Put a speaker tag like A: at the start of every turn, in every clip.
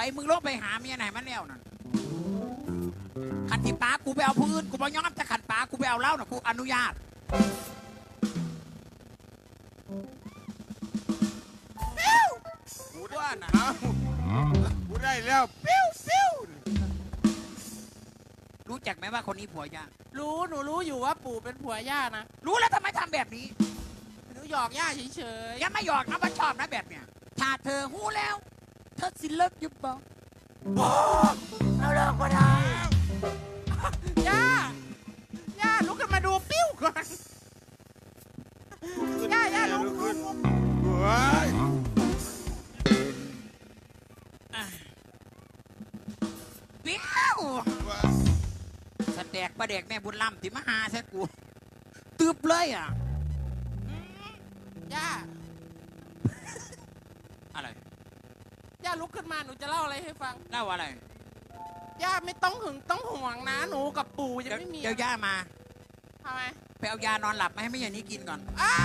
A: มึงลงไปหาเมียไหนมันแล้วนั่นขันที่ป้ากูไปเอาพื้นกูบอกย้อมจะขันป้ากูไปเอาเหล้านะกูอนุญาตปิ้วกูว่าน่ะ
B: กูได้แล้วปิ้วปิ้ว
A: รู้จักไหมว่าคนนี้ผัวยา
C: รู้หนูรู้อยู่ว่าปู่เป็นผัวย่านะ
A: รู้แล้วทำไมทำแบบนี้
C: หนูหยอกย่าเฉย
A: ๆยังไม่หยอกนะว่าชอบนะแบบเนี้ยถ้าเธอหู้แล้วเธอสิเลิกยุบบอกเราเลิกก็ได้
C: ย่าลุกขึ้นมาดูปิ้วก่อนย่าลุกขึ้น
A: ปิ้วสแตกประเด็กแม่บุญล้ำที่มาหาใช่กูตืบเลยอ่ะ
C: ย่า
A: อะไร
C: ย่าลุกขึ้นมาหนูจะเล่าอะไรให้ฟัง
A: เล่าอะไร
C: ย่าไม่ต้องหึงต้องห่วงนะหนูกับปู่ยังไม่มี
A: เดี๋ยวย่ามา
C: ทำไม
A: ไปเอายานอนหลับมาให้แม่อย่างนี้กินก่อน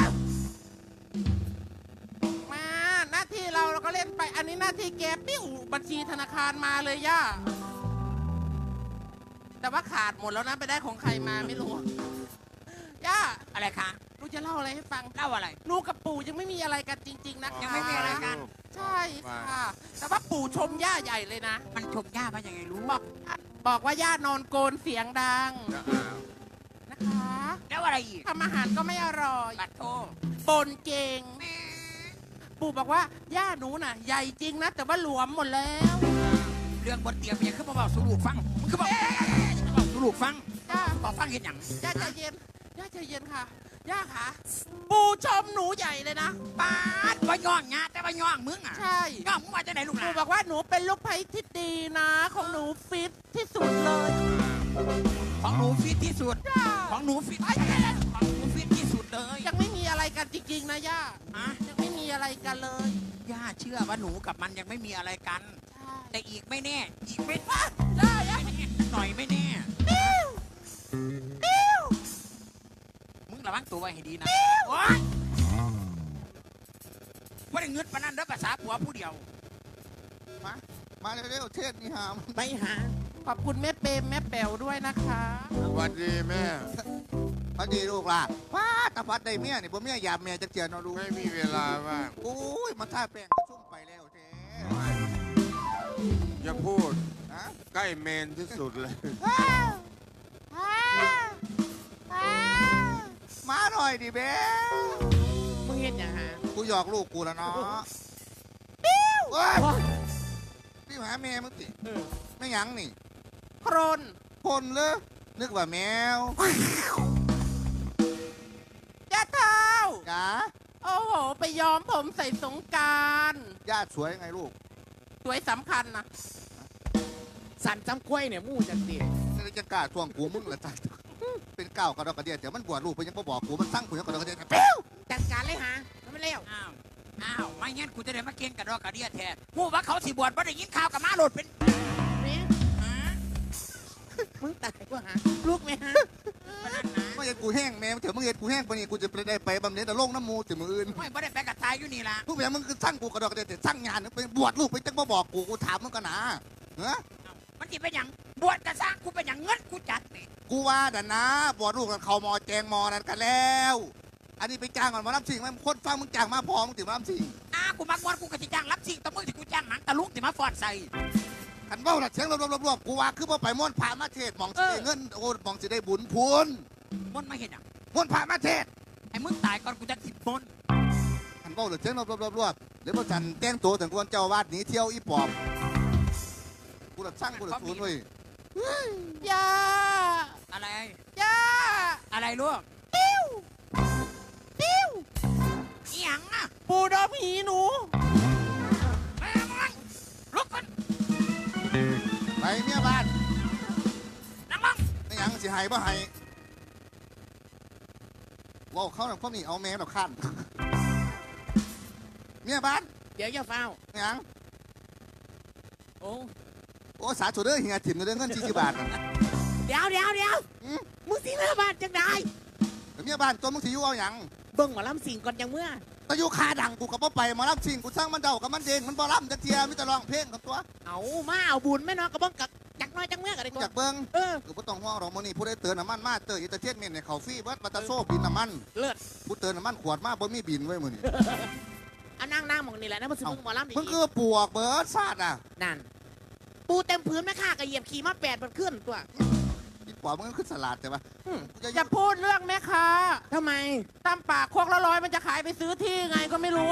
C: มาหน้าที่เราก็เล่นไปอันนี้หน้าที่แกปิ้วบัญชีธนาคารมาเลยย่าแต่ว่าขาดหมดแล้วนะไปได้ของใครมาไม่รู้ย่า
A: อะไรคะ
C: หนูจะเล่าอะไรให้ฟัง
A: เล่าอะไร
C: หนูกับปู่ยังไม่มีอะไรกันจริงๆนะคะ
A: ยังไม่มีอะไรกัน
C: ใช่ค่ะแต่ว่าปู่ชมย่าใหญ่เลยนะ
A: มันชมย่าว่ายังไงรู้
C: บอกว่าย่านอนโกนเสียงดังนะคะ
A: แล้วอะไรอีก
C: ทำอาหารก็ไม่อร่อย
A: ปัดโท
C: ปนเก่งปู่บอกว่าย่าหนูน่ะใหญ่จริงนะแต่ว่าหลวมหมดแล้ว
A: เรื่องบนเตียงยังขึ้นมาบอกสูลูกฟังมันคือบอกสูลูกฟังบอกฟังเห็นอย่าง
C: ย่าใจเย็นย่าใจเย็นค่ะย่าค่ะปู่ชมหนูใหญ่เลยนะ
A: ป้าว่าย่องงาแต่ว่าย่องมึงอ่ะ
C: ใช่
A: ย่องมึงมาจากไหนลูกหลาน
C: ปู่บอกว่าหนูเป็นลูกไผ่ที่ดีนะของหนูฟิตที่สุดเลย
A: ของหนูฟิตที่สุดของหนูฟิตของหนูฟิตที่สุดเลย
C: ยังไม่มีอะไรกันจริงๆนะย่ายังไม่มีอะไรกันเลย
A: ย่าเชื่อว่าหนูกับมันยังไม่มีอะไรกันแต่อีกไม่แน่อีกไม่
C: ได้
A: หน่อยไม่แน่มึงระวังตัวไว้ให้ดีนะว่าได้เงืดปนันเด้อภาษาผัวผู้เดียว
B: มาเร็วๆเทศนี่หาม
C: ไปหาขอบคุณแม่เปรมแม่แป๋วด้วยนะคะ
B: สวัสดีแม่สวัสดีลูกล่ะว้าตาพัดได้เมียนี่บ่เมียหยาบเมียจะเจียนเอาลูกไม่มีเวลาบ้างโอ้ยมาท่าแป้งก็ชุ่มไปแล้วเจ๊อย่าพูดใกล้เมนที่สุดเลยมาหน่อยดิเบ้
C: มึงเห็นยังฮะ
B: กูหยอกลูกกูแล้วเนาะปิ้วปิ้วหาแม่มึงติไม่ยังนี่
C: โครน
B: คนเลยนึกว่าแมว
C: ย่าเท้า
B: จ๋า
C: โอ้โหไปย้อมผมใส่สงการ
B: ย่าสวยไงลูก
C: สวยสำคัญนะ
A: สันจำกล้วยเนี่ยมู่จังดี
B: นี่จะกล้าทวงกูมึงเหรอจ๊ะเป็นเก่ากระดอกกระเดียดเดี๋ยวมันบวชลูกไปยังบอกกูมันสั่งกูยังกระดอกกระเดียด
C: ปิ้วจัดการเลยฮะมันไม่เร็ว
A: อ้าวไม่งั้นกูจะได้มาเก่งกระดอกกระเดียดแทนมู่ว่าเขาสิบวชว่าได้ยินข่าวกับมาโหลดเป็น
C: นี่มึงตายกูฮะลูกไหมฮะ
B: ไม่ใช่กูแห้งแม่เถอะมึงเห็นกูแห้งไปนี่กูจะไปได้ไปบำเหน็จแต่โลกน้ำมูถึงมืออื่น
A: ไม่ได้ไปกับทายอยู่นี่ละ
B: ทุกอย่างมึงคือสั่งกูกระดอกกระเดียดแต่สั่งงานไปบวชลูกไปจังบอกกูถามมึงกันนะ
A: มันจะเป็นอย่างบวชจะสร้างกูเป็นอย่างเงินกูจัดนี่
B: กูว่าแต่นะบวชลูกกันเขามอแจงมอนั่นกันแล้วอันนี้ไปจ้างก่อนมารับสิ่งไหมคนฟังมึงจ้างมาพอมึงถึงมารับสิ่ง
A: กูมากวนกูกะทิจ้างรับสิ่งตะมึงที่กูจ้างหนังตะลุกที่มาฟอดใส่
B: ขันเบ้าหลักเสียงรวบกูว่าคือว่าไปม้วนผ่ามาเทศมองสิได้เงินโอ้มองสิได้บุญพูน
A: ม้วนไม่เห็นอย่าง
B: ม้วนผ่ามาเทศ
A: ไอ้มึงตายก่อนกูจะติดม้วน
B: ขันเบ้าหลักเสียงรวบเดี๋ยวพอจันแจ้งตัวถึงคนเจ้าวาดหนีเที่ยวอีปอบกูหลักช่างกูหลักศูนย์เว้ย
C: ย่า
A: อะไร
C: ย่า
A: อะไรลูก
C: ปิ้ว
A: อีหยังอ่ะ
C: ปูดอมหีหนู
A: ลุกขึ้น
B: ไปเมียบ้าน
A: นั่งลง
B: ไม่ยังสิหายบ่หายว้าวเขาหนักพวกนี้เอาแม่หนักขั้นเมียบ้าน
C: เดี๋ยวอย่าเฝ้า
B: ยัง
C: โอ้
B: สาธุเด้อเฮียถิ่มเด้อเงิน40 บาท
C: เดี๋ยวมึงสิเลือบาทจังได้
B: เมียบ้านตัวมึงสิอยู่เอาอย่าง
C: เบิ่งหมอลำสิงก่อนจังเมื่อ
B: ตะยุคาดังกูกับพ่อไปหมาล่ำชิงกูสร้างมันเดากับมันเด้งมันบ่ล่ำจะเทียมิตรร้องเพลงกับตัว
C: เอามาเอาบุญแม่นอนกระบ้องกักจักน้อยจักเมื่อกันเลย
B: อยากเบิ้ง
C: เออ
B: กูบ่ต้องห่วงหรอกมื้อนี้ผู้ได้เตือนน้ำมันมาเตอร์อิตาเทียนเมนในเขาฟรีเบิดมาตะโซ่บินน้ำมัน
C: เลิศ
B: ผู้เตือนน้ำมันขวดมาบ่มีบินไว้มื้อนี้
C: เอานั่งหมองนี่แหละนะมันสิมึงหมอลำดี
B: มึงคือปวกเบิดซาดอ่ะ
C: นั่นปูเต็มพื้นแม่ข้ากระเหยียบขี่มา8มันขึ้นตัว
B: อีปอบมึงก็คือสลัดใช่ปะ
C: อย่าพูดเรื่องแม่ค้าทำไมตามปากโคกละ100มันจะขายไปซื้อที่ไงก็ไม่รู้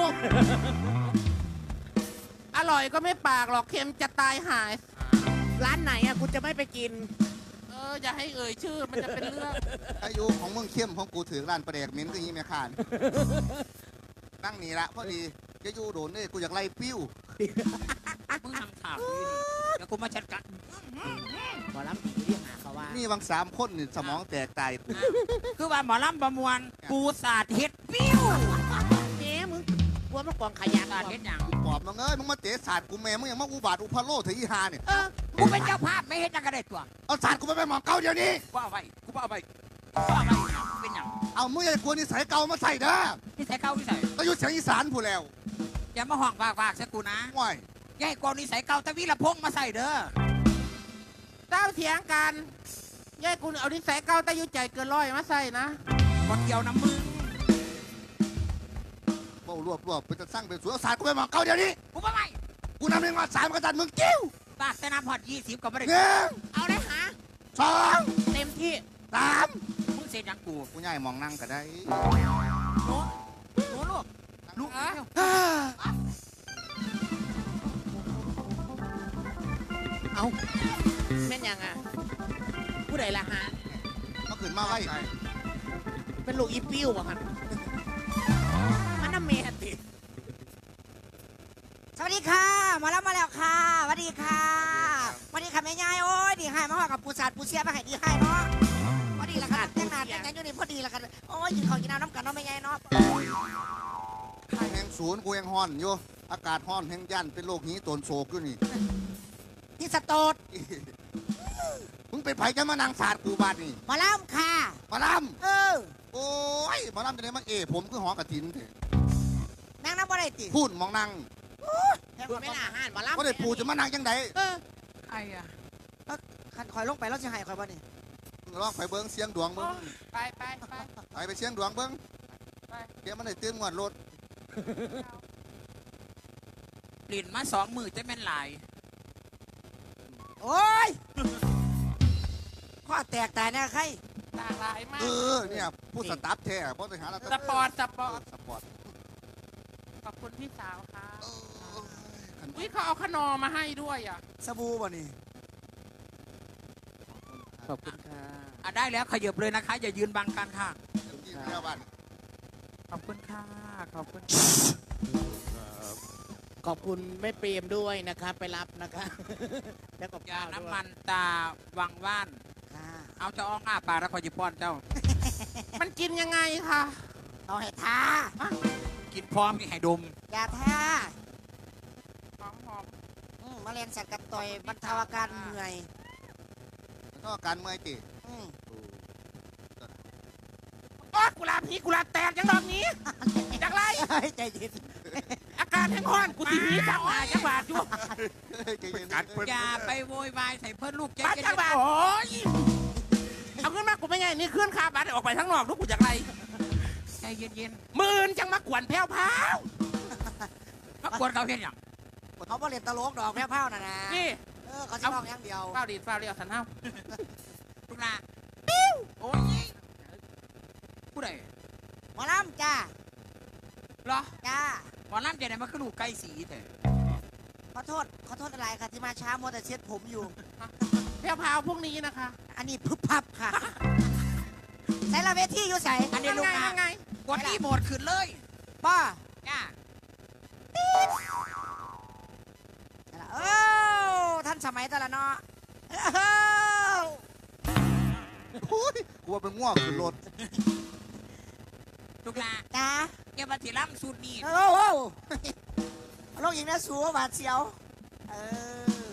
C: อร่อยก็ไม่ปากหรอกเค็มจะตายหาย ร้านไหนอะกูจะไม่ไปกิน อย่าให้เอ่ยชื่อมันจะเป็นเรื่อง
B: อายุของมึงเข้มของกูถือร้านประเดกเหม็นคือยี่แม่ค้านนั่งนี่ละพอดีจะอยู่โดนเนี่ยกูอยากไล่ปิ้ว
A: มึงทำข่าวอยู่นี่แล้วกูมาจัดการ
C: หมอลำดีเรียกหาเขาว่า
B: นี่บาง3 คนนี่สมองแตกตายกู
A: คือว่าหมอลำประมวลปูสาดเห็ดปิ้ว
C: เจ๊มึงกลัวมันกองขยะ
A: สาดเห็ดหยัง
B: ปอบมึงเอ้ยมึงมาเตะศาสตร์กูแม่มึงยังมาอุบาทอุพาโลเถอะอีหาเนี่ย
A: กูเป็นเจ้าภาพไม่เห็ดจังกระเด็ดตัว
B: เอาศาสตร์กูไปหมองเก่าเดี๋ยวนี้
A: กูเอาไปกูเอาไปกูเอาไปเป็นหยัง
B: เอามึงอย่าควรนิสัยเก่ามาใส่เด้อ
A: ที่ใส่เข้าที่ใส่
B: ตะยุเสียงอีสานผู้แล้ว
A: อย่ามาห่องฝากใส่กูนะ
B: ง่อย
A: อย่าให้กองนิสัยเก่าตะวิละพงมาใส่เด้อ
C: เจ้าเถียงกันยายกูเอานิสัยเก่าแต่อยุ่ใจเกินร้อยมาใส่นะ
A: บดเกี่ยวน้ำมึง
B: เบ้ารวบเป็นจะสร้างเป็นสวนเอาศาสตร์กูไปหมองเก่าเดี๋ยวนี้
A: กูไม่ไป
B: กูนำเองมา3กระตันมึงกิ้ว
A: ปากแต่น้ำพอด20ก็ไม่ได้
B: 1
C: เอาได้หา
B: 2
C: เต็มที่
B: 3
A: มึงเสียยังกู
B: กูย่ายมองนั่งก็ได้
A: หนูลูกลูก
C: เอาแม่นยังอ่ะผู้ใดล่ะฮะ
B: มาขึ้นมาไว้
C: เป็นลูกอีปิ้วบ่กันมันน้ำเมติ
D: สวัสดีค่ะมาแล้วมาแล้วค่ะสวัสดีค่ะสวัสดีค่ะแม่ยายโอ้ยดีให้มาห่อกับปูสาดปูเสียมาให้ดีให้เนาะพอดีละค่ะแต่งหน้าแต่งงานอยู่นี่พอดีละค่ะโอ้ยกินข้าวกินน้ำน้ำกันเนาะแม่ยายเนาะ
B: แห่งศูนย์กูยังฮ้อนอยู่อากาศฮ้อนแห่งยันเป็นโรคหีตนโศกอยู่นี่
D: ที่สโตด
B: มึงเป็นไผจะมานั่งศาสตร์กูบาดนี่
D: มาแล้วค่ะ
B: มาล
D: เออ
B: ำโอ้ยมาลำจะได้มาผมคือหอกระถินเถอะ
D: นางน้ำบ่ได้ติ
B: พูดมองนั่ง
C: เพื่อไม่น่าห้านมาล่ำ
B: ก็ได้ปูจะมานั่งจังได
A: ไอ้อะ
D: ขันคอยลงไปแล้วจะให้คอยบ่นี่
B: มึงลองไปเบิ้งเสียงดวงเบิ้ง
C: ไป
B: ไปเสียงดวงเบิ้งเดี๋ยวมันได้ตื่นงวดรถ
A: ปลิ่นมา2 มือจะแม่นหลาย
D: โอ้ยข้อแตกตายแน่ใคร
C: หลากหลายมาก
B: เนี่ยผู้สตาฟแท้เพราะไปหาแล้ว
C: สปอร์ต
B: สปอร์ต
C: ขอบคุณพี่สาวค่ะ
B: เออขัน
C: อุ้ยเขาเอาขนมมาให้ด้วยอ่ะ
D: สบู่บ่นี่
C: ขอบคุณค่ะ
A: ได้แล้วขยับเลยนะคะ อย่ายืนบังกันค่ะ
B: กินแล้วบ้าน
A: ขอบคุณค่ะ ขอบคุณ
C: ขอบคุณแม่เปรมด้วยนะคะไปรับนะคะแล้วกับ
A: ยา
C: ข้าวด้วย
A: น้ำมันตาวังว่าน
D: ค่ะ
A: เอาเจ้าอ้องอ้าปากแล้วคอยจิป้อนเจ้า
C: มันกินยังไงคะ
D: เอาให้ทา
A: กินพร้อมมีให้ดม
D: อย่าทา
C: หอม
D: มาเรียนสัตว์กัดต่อยบรรเทาอาการเหนื่อย
B: แล้วก็การเมื่อยติ
D: อืม
C: ๆอ๋อกุหลาบพี่กุหลาบแตกยังดอกนี้จากไร
D: เฮ้ยใจเย็น
C: อาการแห้งห้อนกูตีนี้จังหวะจังหวะอยู่
B: ใจเย็น
A: อย่าไปโวยวายใส่เพื่อนลูกเจ๊
C: บ้านจังหวะโอ้ยเอาขึ้นมากูไม่ไงนี่ขึ้นคาบัตรออกไปทั้งนอกลูกกูจากไร
A: ใจเย็น
C: มื่นจังมากวนแพ้วพาว
A: ๆมากวนเขาเห็นอย่าง
D: เขาบ่เรียนตลกดอกแพ้วเผาน่ะนะ
C: นี่
D: เขาจะร้องอย่างเดียว
C: เฝ้าดีดเฝ้าเรียวสันเท้า
A: ลูกนาปิ้วโอ้ยผู้ใด
D: หมอลำจ้า
A: เหรอ
D: จ้า
A: หมอลำจะไหนมาขึ้นลูกไก่สีแต่
D: ขอโทษอะไรค่ะที่มาช้ามัวแต่เช็ดผมอยู่
C: แพ้วพาวพวกนี้นะคะ
D: อันนี้พึบพับค่ะใส่ละเวทีอยู่ใส่
A: อันนี้ลูก
C: ยั
A: นาง
C: ไง
A: กดรีโมทขึ้นเลย
D: ป้า
A: จ้า
D: โอ้ท่านสมัยแต่ละเนาะเอ้า
B: โอ้ยกูว่าเป็นง่วงขึ้นรถ
A: ลูกนา
D: จ้า
A: แกมาถีล่ำสูตรนี้
D: โอ้โหลงอีกนะสูบาดเสียวเออ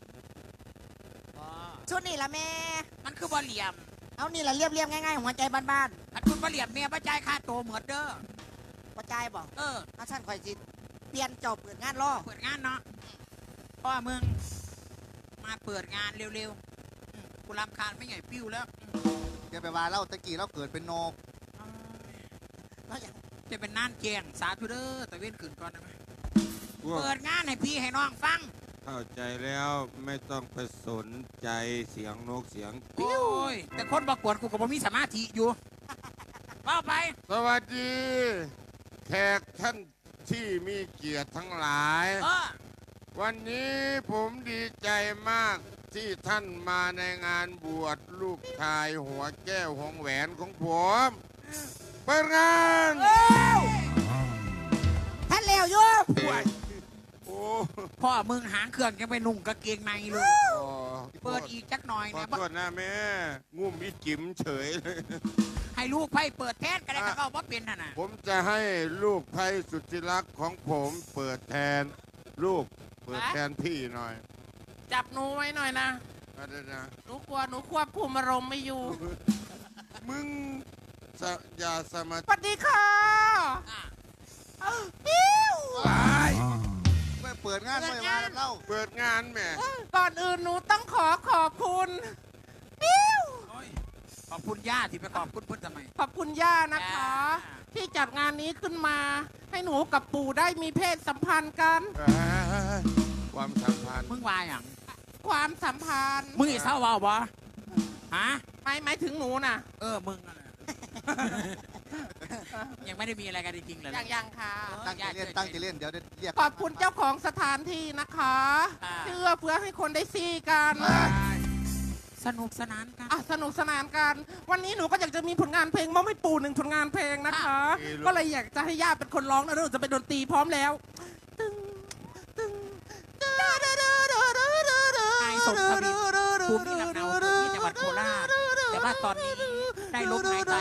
D: ชุดนี่ละแม่
A: มันคือบอเหลี่ยม
D: เอานี่ละเรียบง่ายๆหัวใจบ้าน
A: อันคุณบอเหลี่ยมเมียประจายค่าโตวเหมือนเด้อ
D: ๆกระจายบอก ถ้าฉันคอยจิเปลี่ยนเจ้าเปิดงานรอ
A: เปิดงานเนาะพ่อมึงมาเปิดงานเร็วๆกูรำคาญไม่ใหญ่ปิ้วแล้ว
B: อย่าไปว่าเล่าตะกี้เราเกิดเป็นนก
D: แล้วอย่าง
A: จะเป็นน่านแกงสาธุเด้อตะเว้นขืนก่อนได้ไหมเปิดงานให้พี่ให้น้องฟัง
E: เข้าใจแล้วไม่ต้องไปสนใจเสียงนกเสียง
A: โอ้ยแต่คนประกวดกูก็บ่มีสมาธิอยู่ว่าไป
E: สวัสดี แขกท่านที่มีเกียรติทั้งหลาย วันนี้ผมดีใจมากที่ท่านมาในงานบวชลูกชายหัวแก้วของแหวนของผมเปิดงาน
D: ท่านแล้วอยู่
E: โอ้
A: พ่อมึงหางเครื่องยังไปนุ่งกางเกงในเลย
E: โอ้
A: เปิดอีกจักหน่อย
E: ขอ
A: นะ
E: โทษนะแม่งุ่มอีจิ๋มเฉยเลย
A: ให้ลูกไพ่เปิดแทนก็ได้ก็ว่าเป็นน่ะนะ
E: ผมจะให้ลูกไพสุดที่รักของผมเปิดแทนลูกเปิดแทนพี่หน่อย
C: จับหนูไว้หน่อยนะ
E: อะไรนะ
C: หนูกลัวหนูควบคุมอารมณ์ไม่อยู่
E: มึงอย่าสมาธิ
C: สวัสดีค่ะ
B: ไม่เปิดงานไม่ว่าเล่า
E: เปิดงานแหม่
C: ก่อนอื่นหนูต้องขอบคุณ
A: โอ้ยขอบคุณย่าที่ไปขอบคุณพุทธทำไม
C: ขอบคุณย่านะคะ ที่จัดงานนี้ขึ้นมา ให้หนูกับปู่ได้มีเพศสัมพันธ์กัน
E: ความสัมพันธ์
A: มึงวายอย่าง
C: ความสัมพันธ์
A: มึงอีเศร้าเวาบ่ฮะ
C: หมายถึงหนูน่ะ
A: มึงนั่นแหละ ยังไม่ได้มีอะไรกันจริงๆเลย
C: ยังค่ะ
B: ตั้งใจเล่นตั้งใจเล่นเดี๋ยวเรียก
C: ขอบคุณเจ้าของสถานที่นะคะที่เอื้อเฟื้อให้คนได้ซี่กัน
A: สนุกสนานกัน
C: สนุกสนานกัน วันนี้หนูก็อยากจะมีผลงานเพลงมอบให้ปู่1ผลงานเพลงนะคะ ก็เลยอยากจะให้ย่าเป็นคนร้องนะหนูจะเป็นดนตรีพร้อมแล้วตึงตึง
A: นายสมทวินภูมิลำเนาที่จังหวัดโคราชแต่ว่าตอนนี้ได้ลมหายใจ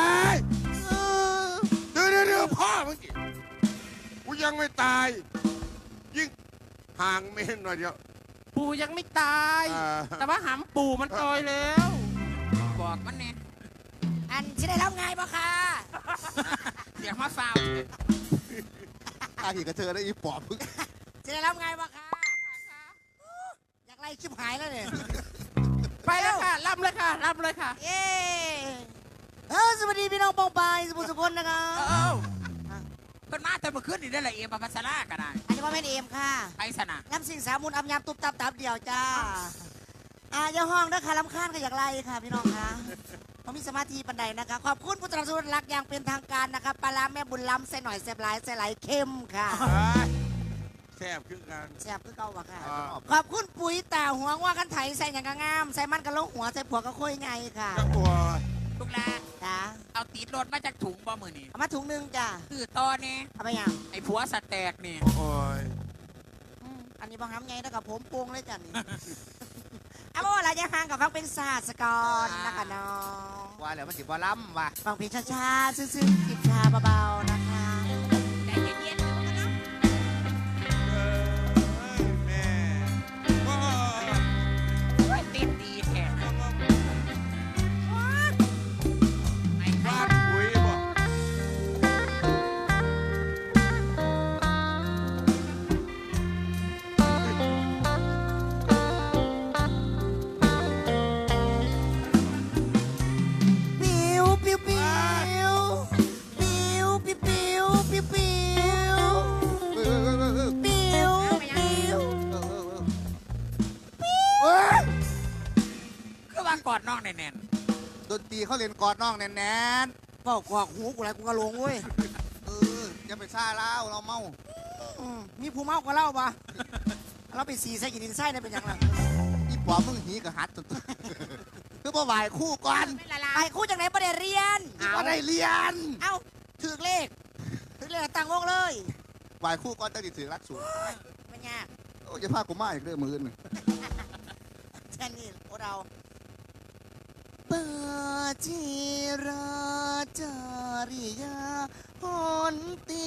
E: เดี๋ยวพ่อเมื่อกี้กูยังไม่ตาย ยิ่งห่างเมนหน่อยเดียว
C: ปู่ยังไม่ตาย แต่ว่าหำปู่มันตายแล้ว
A: บอกมันเนี่ย
D: อันที่ได้รับไงบ่ค่ะ
A: เดี๋ยวมาฟาว
B: อาหีกับเธอได้อีปอบพึ่ง
D: ที่ได้รับไงบ่ค่ะอยากไล่ชิบหายแล้วเนี่ย
C: ไปแล้วค่ะรับเลยค่ะรับเลยค่ะ
D: เย้สวัสดีพี่น้องปองปายสุภุสุคนนะคะ
A: เพิ่นมาแต่เมื่อคืนนี่ได้ละเอียดมาพัสลาก็ได้
D: อันนี้ว่าเป็นเอมค่ะ
A: ไปสนะ
D: น้ำสิ่งสามุนอำยำตุบตับตับเดียวจ้าอย่าห้องนะคะลำคาญก็อยากไล่ค่ะพี่น้องค่ะเขามีสมาธิปันใดนะคะ ขอบคุณผู้สนับสนุนรักอย่างเป็นทางการนะคะปลาร้าแม่บุญล้ำใส่หน่อยแซ่บหลายใส่ไหลเข้มค่ะ
E: แซ่บขึ้นกัน
D: แซ่บคือเก่าวะค่ะ ขอบคุณปุ๋ยตาหัวว่ากันไถใส่อย่างกะงาม ใส่มันกันลงหัวใส่ผัวก็ค่อยไงค่ะ
E: จังหวะ
A: ลูกหลาน
D: จ้า
A: เอาตีดรถมาจากถุงบ่มือนี่
D: เอามาถุงหนึงจ้า
A: คือตอนนี้
D: เอาไปยัง
A: ไอ้ผัวสแตกนี่
E: โอ้ย
D: อันนี้บางคำไงแล้วกับผมโปงเลยจ้ะนี่ เอาว่าอะไรจะห่างกับฟังเป็นศาสตร์สกรนะคะน้อง
B: ว่าแล้วมันสิบ่ล้ำว่ะ
D: ฟังเพลงช้าๆซึ้งๆจิบชาเบาๆนะคะ
A: ใจเย็นๆนะ
E: แม่
A: โอ้ยติดดีแท้ไอ้
E: บ้า
A: บ้าน
E: ปุ๋ยบอก
D: ปิวปิวปิวปิวปิวปิวปิวปิว
B: เออ
D: ปิวปิว
A: คือว่ากอดน้องแน่น
B: ดนตรีเขาเล่นกอดน้องแน่น
D: บอกกอกหูกูอะไรกูก็ลงเว้ย
B: ๆอย่าไปซ่าเล่าเราเมา
D: มีผู้เมาก็เล่าปะเราไปสีใส่กินดินไส้ได้เป็นยังไง
B: อีปอบมึงหีกับหัดจนคือบ่ไหวคู่ก่อน
D: ไอ้คู่จากไหนประเดี๋ยวเรียน
B: บ่ได้เรียน
D: เอ้าถือเลขตั้งวงเลย
B: ไหวคู่ก่อนตั้งแต่ถือรักสูง
D: ไม่ยาก
B: โอ้ยจะพากูมาอีกเรื่องมือนึง
D: แค่นี้พวกเราปาจิราจาริยาพนตี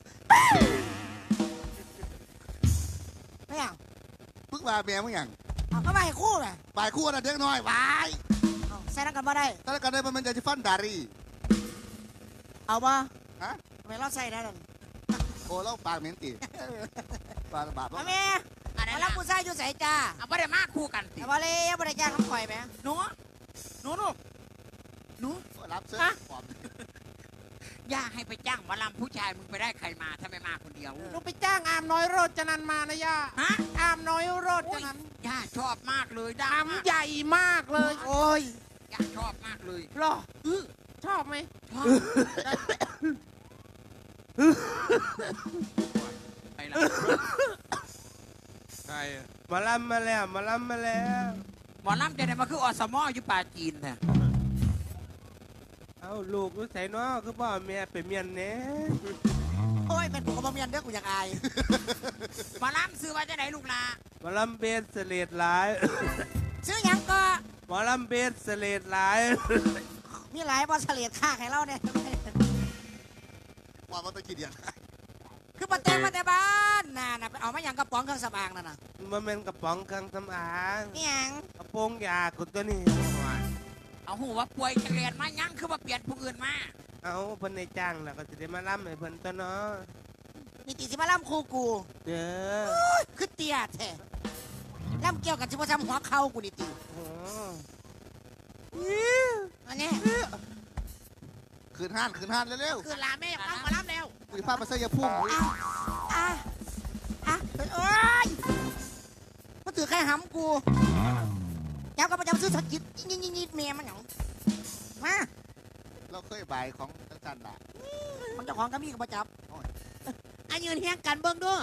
D: ไม่เอา
B: พึ่งมาแม่มึงอย่าง
D: เอาก็มาให้คู่ไง
B: ไหวคู่นะเด็กน้อยไหว
D: เอาใส่นักกันมาได้
B: ถ้ากันได้มันจะฟันดารี
D: เอาปะ
B: ฮะ
D: มไม่รอดใส่นะนั่น
B: โอ้เราปากเหม็นตีปากบาป
D: เอาแม่
A: อันนั้
D: มาน รับ
A: นะ
D: ผู้ชายอยู่ใส่จ้า
A: เอาไม่ได้มาคู่กันสิ
D: แต่ว่าเลยบริจาคน้ำข่อยไหม
A: หนูหนูลูกหนู
B: รับเสื้อปลอม
A: ย่าให้ไปจ้างหมอลำผู้ชายมึงไปได้ใครมาถ้าไม่มาคนเดียว
C: หนูไปจ้างอามน้อยโรจนันมานะย่า
A: ฮะ
C: อามน้อยโรจ
A: โอ้ย
C: นัน
A: ย่าชอบมากเลยดั
C: อาง มใหญ่มากเลย
D: โอ้ย
A: ย่าชอบมากเลย
C: หรอชอบไหม
A: ชอบไปละ
E: ใครอะ
F: มาลำมาแล้วมาลำมาแล้ว
A: หมอลำจะได้มาคืออสมอยู่ป่าจีนเนี่ย
F: เอาลูกรู้ใส่น้อคือพ่อแม่ไปเมียนเน่
D: โอ้ยเป็นกูกับบ่เมียนเด้อกูอยากอาย
A: หมอลำซื้อว่าจะไหนลูกลา
F: มาลำเบสเสเลดหลาย
D: ซื้อหยังก็
F: มาลำเบสเสเลดหลาย
D: มีหลายบอสเลดค่าให้เราเนี่ย
B: ว่ามันต้องกี่เดือน
D: คือประเต็มมาแต่บ้านน่ะไปเอามาหยังกระป๋องเครื่องสำอางนั่นน่ะ
F: มันเป็นกระป๋องเครื่องสำอาง
D: นี่หยัง
F: กระโปรงยากุตัวนี้
A: เอาหูว่าป่วยจะเรียนมายังคือว่าเปลี่ยนผู้อื่นมา
F: เอาเพิ่นในจ้างแล้วก็จะได้มาลำให้เพิ่นตัวเนาะ
D: นี่ตีสิมาล่ำครูกู
F: เด้อ
D: คือเตี้ยแท้ล่ำเกี่ยวกับชิบะจำหัวเข่ากูนี่ตี
F: โอ้
D: อันนี้
B: คืนห้านเร็ว
A: คือลาแม่ต้องมารับแล้ว
B: ๆคุยภาพมาเสียพุ่ง
D: อ่ะโอ้ยมันถือใครหำกูเจ้าก็ประจำซื้อสกิดยิดเมียมันหยังมา
B: เราเคยบ่ายของจันทร์ละ
D: มันเจ้าของก็มีกับประจับ
A: อันยืนเฮียงกันเบิ้งด้วย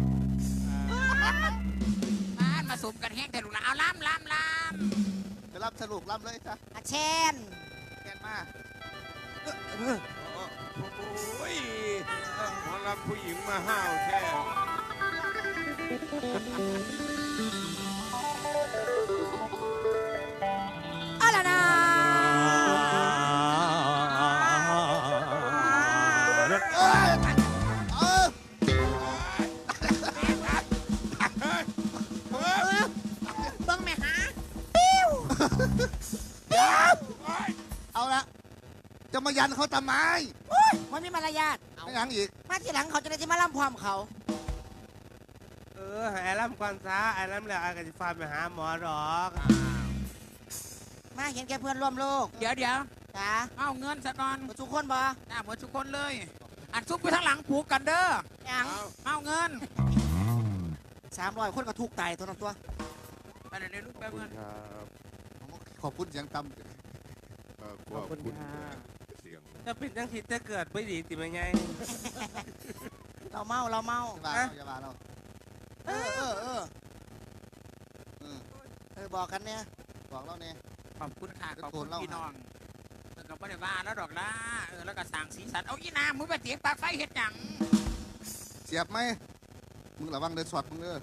A: บ้านมาสมกันแห้งแต่ลูกหลานเอาล้ำ
B: จะรับสรุปรับเลยจ้ะ
D: อาเชน
B: แกนมา
E: โอ้ยหมอลำผู้หญิงมาห้าวแท้
D: เอาล่ะนะ
B: เออ
A: เบิ้งแม่ฮะ
B: เอาละจะมายันเขาทำไม
D: มันมีมารยาท
B: ไม่ยังอีก
D: มาทีหลังเขาจะได้จะมาล่ำพร้อมเขา
F: ให้ไอ้ลำก่อนซะไอ้ลำแล้วไอ้ก็จะฟาไปหาหมอหรอก
D: มาเห็นแกเพื่อนร่วมโลก
A: เดี๋ยว
D: จ้า
A: เอาเงินซะก่อน
D: ทุกคนบ่
A: หน้าเหมือนทุกคนเลย อันซุปไปทางหลังผูกกันเด้อ
D: ยัง
A: เอาเงิน
D: 300คนก็ถูกตายตัวนั้นตัว
A: ไปเดี๋ยวลูกไปเงิน
E: ครับ
B: ขอบคุณเสียงต่ำ
E: ขอบคุณเสียง
F: จะเป็นจังสิจะเกิดไม่ดีติไหมไง
D: เราเมา
B: อย่ามาเรา
D: เออบอกกันเนี่ย
B: บอกเราเนี่ย
A: ขอบคุณค่ะ
B: เดี๋
A: ข
B: ยว
A: อบคุณ
B: โกนเล่า
A: พี่น้องก็ไม่ได้ว่าแล้วดอกล่ะแล้วก็สั่งสีสันเอาอีน้ำมึงไปเตียงปากไฟเฮ็ดหยัง
B: เสียบไหมมึงระวังเดินสอดมึงเด้อ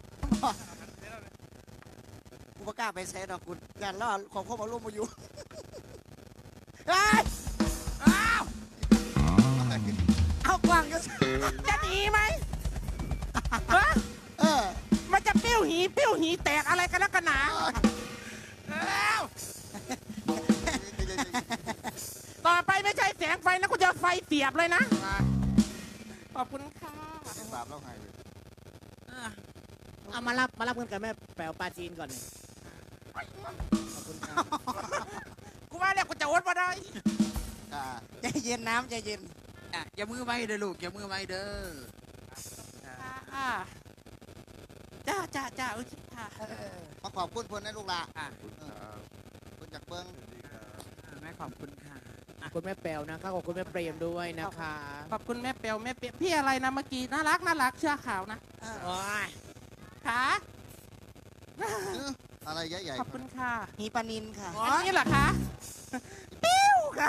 D: กูประกล้าศไปใช้ดอกกุญยันแล้วของพ่อมาร่วมมาอยู่เฮ้ย
A: อ้าว
D: เอากวางอยู่
C: จะหนีไหม
D: เออ
C: มันจะปิ้วหีแตกอะไรกันแล้วกันหนา
A: อ้าว
C: ต่อไปไม่ใช่แสงไฟนะกูจะไฟเสียบเลยนะ ขอบคุณค่ะ
B: บาปเราหายเลย
G: เอามารับเงินกับแม่แปลวปลาจีนก่อนเนี่ยขอบคุณครับ
C: กูว่าเนี่ยกูจะอดมาได้
B: ค่ะ
D: ใจเย็นน้ำใจเย็น
A: อย่ามือไว้เด้อลูกอย่ามือไว้เด้อ
C: จ้าโอเคค่ะ
B: มาขอบคุณเพื่อนให้ลูกหลาน
A: อ่ะ
B: คุณจากเบิ้ง
A: แม่ขอบคุณค่ะ
G: ขอบคุณแม่แปลวนะคะขอบคุณแม่เปรมด้วยนะคะ
C: ขอบคุณแม่เปียวพี่อะไรนะเมื่อกี้น่ารักเชื่อข่าวนะ
G: โอ้ย
C: ค่ะ
B: อะไรใหญ่
C: ขอบคุณค่ะ
D: หีปลานินค่ะ
C: อันนี้เหรอคะปิ้วค่ะ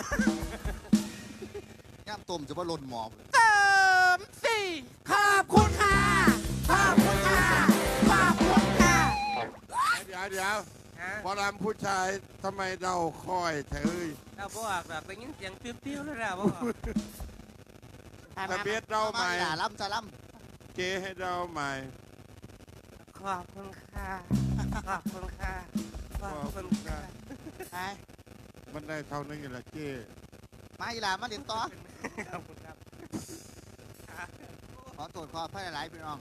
B: ย่ามต้มจะว่าหล่นหมอบ
C: เติมสิ
D: ขอบคุณค่ะ ขอบคุณค่ะ ขอบคุณค่ะ
E: เดี๋ยว
F: ฮะ
E: หมอลำผู้ชายทำไมเดาคอยเธอ
F: เราบอกแบบได้ยินเสียงปิ้วๆแล้วเราบอก
E: ตะเบียดเดาใหม่
B: ด่าล้ำจะล้
E: เจให้เดาใหม่
F: ขอบคุณค่ะขอบคุณค่ะขอบคุณค่ะ
D: ไป
E: มันได้เท่านี้แหละเจ
B: ำมาอีหลามาเรียนต่อ
F: ขอบคุณครับ
B: ขอโทษขออภัยหลายๆพี่น้อง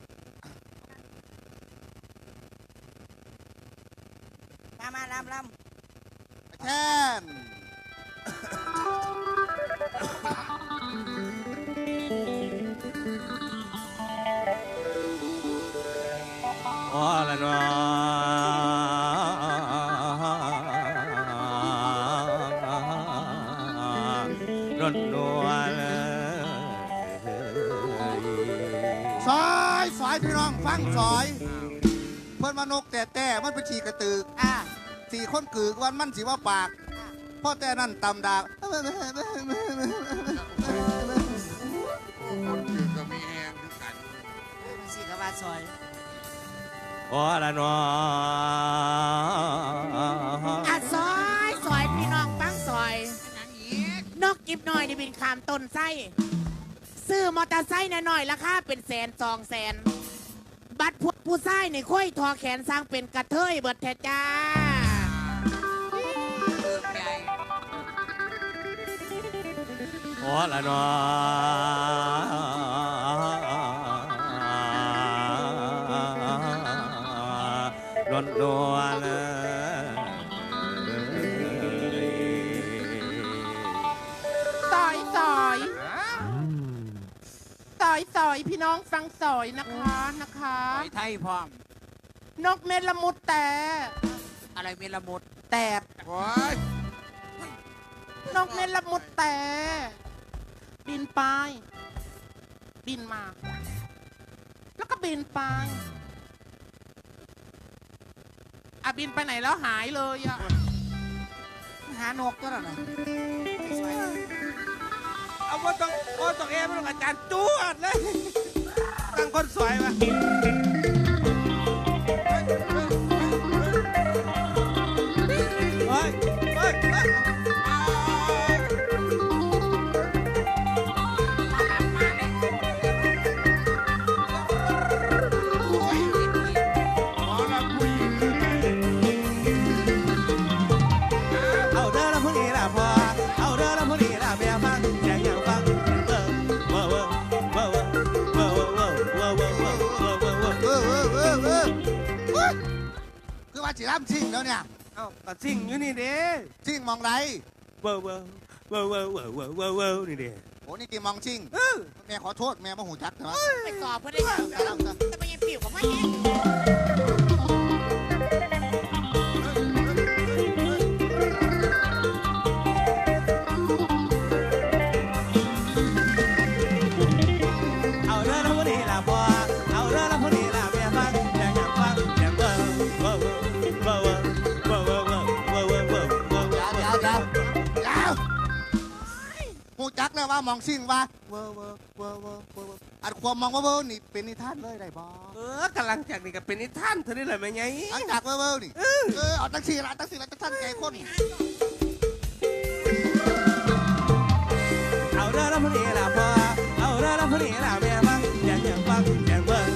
D: มาลำ
B: แช่น
F: อ๋อละเนาะรถนวล
B: ซอยพี่น้องฟังซอย เพิ่นมานกแต่มันเป็นฉีกระตือก
D: อ่ะ
B: สี่คนกึกวันมันสิว่าปากพ่อแต่นั่นตำดาก
E: คนคือก็มีแหงคือกัน
D: สิกว่าซอย
F: อ๋อละเนาะ
G: อ่ะซอยพี่น้องฟังซอย
A: เป็นหยังอีก
G: นกกิบหน่อยนี่บินขามต้นไส้ซื้อมอเตอร์ไซค์หน่อยราคาเป็นแสน200,000บัตรผู้ชายในค่อยทอแขนสร้างเป็นกระเทยเบิดแท้จ้า
A: เบิกใหญ่
F: อ๋อละเนาะรถนวล
C: ซอยพี่น้องฟังซอยนะคะ
A: ไปไทยพร้อม
C: นกเม็ดละมุดแต่
A: อะไรเมลมุด
C: แต่
E: โอ้ย
C: นกเม็ดละมุดแต่บินไปบินมา แล้วก็บินไปอ่ะบินไปไหนแล้วหายเลยอ่ะ
D: หานกก็แล้วนะ
F: เอาว่าต้องเอ็มต้องอาจารย์จวดเลยตั้งคนสวยมา เฮ้ย
E: หมอลำผู้หญิง
F: เอาเด้อแล้วพวกนี้ล่ะพอเอาเด้อแล้วพวกนี้ล่ะเมียฟังแจงอย่างฟังเว้อ
B: คือว่าจิร่ำชิงแล้วเนี่ย
F: เอาก็สิ่งอยู่นี่เด้
B: ชิงมองไร
F: เว้อนี่เด้
B: โอ้นี่กี่มองชิงแม่ขอโทษแม่มาหูจักเถอะ
G: ไปสอบเพื่อได้ยังจะไปยังปิวกับพ่อเอง
F: เอาเด้อแล้วพวกนี้ล่ะพอเอาเด้อแล้วพวกนี้ล่ะเมียฟังแจงอย่างฟังแจงเว้อ
B: ยาวหูจักแล้วว่ามองชิงว่าอันความมองว่าเวอร์นี่เป็นนิทานเลยได้บอ
F: กำลังจากนี่ก็เป็นนิทานเท่านี้แหละแม่ไง
B: หลังจากเวอร์นี่เอาตั้งสี่ละตั้งท่านแก่คน
F: เอาเด้อแล้วพวกนี้ล่ะพอเอาเด้อแล้วพวกนี้ล่ะเมียฟังแจงอย่างฟังแจงเว้อ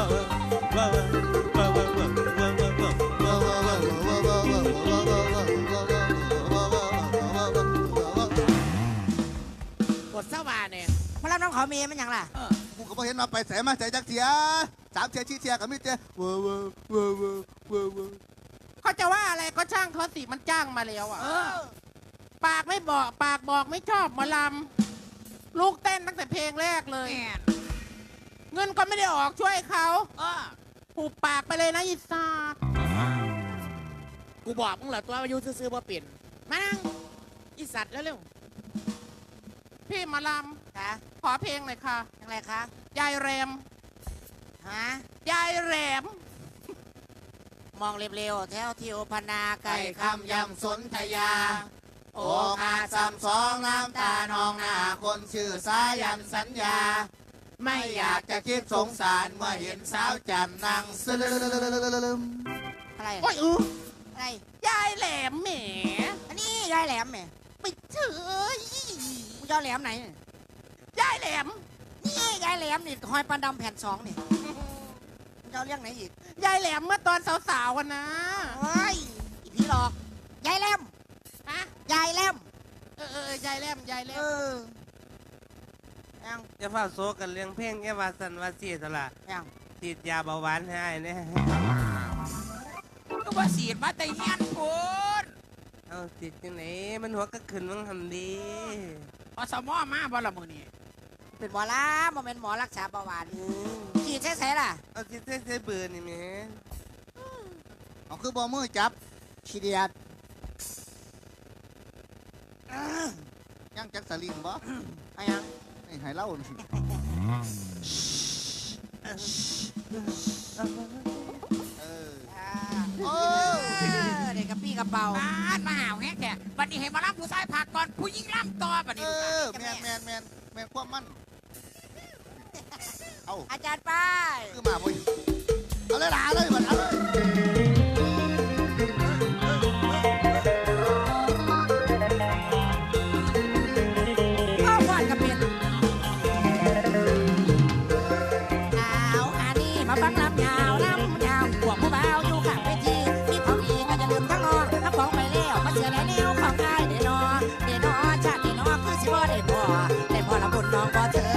G: กดสว่านเนี่ย
D: มารับน้องขอเมย์มันหยังล่ะ
B: กูก็บ่เห็นมาไปแสมาใส่จักเทีย3 เทีย4 เทียกับมิเทียเวอร์
C: เขาจะว่าอะไรก็ช่างเขาสิมันจ้างมาแล้วอ่ะ ปากบอกไม่ชอบหมอลำลูกเต้นตั้งแต่เพลงแรกเลย
A: แม่น
C: เงินก็ไม่ได้ออกช่วยเขา
A: เออ
C: หูปากไปเลยนะอีสาด
G: กูบอกมึงเหรอตัวอายุซื้อๆว่าเปลี่ยนมานั่งอีสัตว์เร็ว
C: พี่หมอล
D: คะ
C: ำขอเพลงหน่อยค่ะ
D: ยังไงคะ
C: ยายแรม
D: ฮะ
C: ยายแรม
D: มองเร็วๆแถวทิวพนาไก่คำยำสนธยา
B: โอ้อาซ้ำสองน้ำตานองหน้าคนชื่อสายันสัญญา ไม่อยากจะคิดสงสารเมื่อเห็นสาวจันนั่งซึม
D: อะไร
C: โอ้ย
D: อะไร
C: ยายแหลมแหม
D: อันนี้ยายแหลมแหม่
C: ไปเฉย
D: มึงจะเอาแหลมไหนเนี่ย
C: ยายแหลม
D: นี่ยายแหลมนี่หอยปันดำแผ่น2นี่มึงจะเอาเรื่องไหนอีก
C: ยายแหลมเมื่อตอนสาวๆกันนะ
D: เฮ้ยอีพี่หลอกยายแหลม
C: ฮะ
D: ยายแหลม
C: ยายแหลมยายแหล
D: เอ
C: ม
D: อยัง
F: จะเฝ้าโซกันเรื่องเพลงแค่ว่าสันว่าสีตละ
D: ยัง
F: ติดยาเบาหวานให้เนี่ย
A: ก็ว่าสีดมาแต่เฮียนพูน
F: เอาติดจังไหนมันหัวก็ขึ้นมังทำดี
A: อสมอมาบ่ละมือนี่
D: เป็นหมอลาโมเมนหมอรักษาเบาหวานฉีดใส่ล่ะ
F: เอาติดใส่เบื่อนี่แหม่
B: เอาคือบ่มือจับ
D: ฉีดเดียด
B: ยังจักสลิงบ่
D: เอายัง
B: นี่ให้เล่าสิเออ
D: โอ้เด็กกับพี่กับเบา
A: บ้านมาหาวแฮกแกวันนี้ให้มาล่ำผู้ชายพักก่อนผู้หญิงล่ำต่อบัด
B: เอ
A: นี้
B: อแมนความมันเอา
D: อาจารย์ป้าย
B: คือมาบ่เอาเลยล่ะเอาเลยบัดเอาเลย
D: พ่อฟอนกับเป็นเอาอันนี้มาฟังลำยาวพวกผู้บ่าวอยู่ข้างเวทีมีของดีก็อย่าลืมทั้งนอถ้าของไปแล้วมาเสียได้แนวของกายเดนอชาติเดนอคือสิบ่ได้พอละบุญน้องบ่เธอ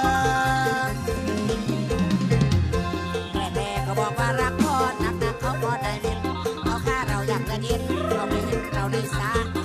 D: แม่ก็บอกว่ารักพ่อนักเขาบ่ได้เล่นเอาค่าเราอยากจะเย็นเราไม่เห็นเราได้สา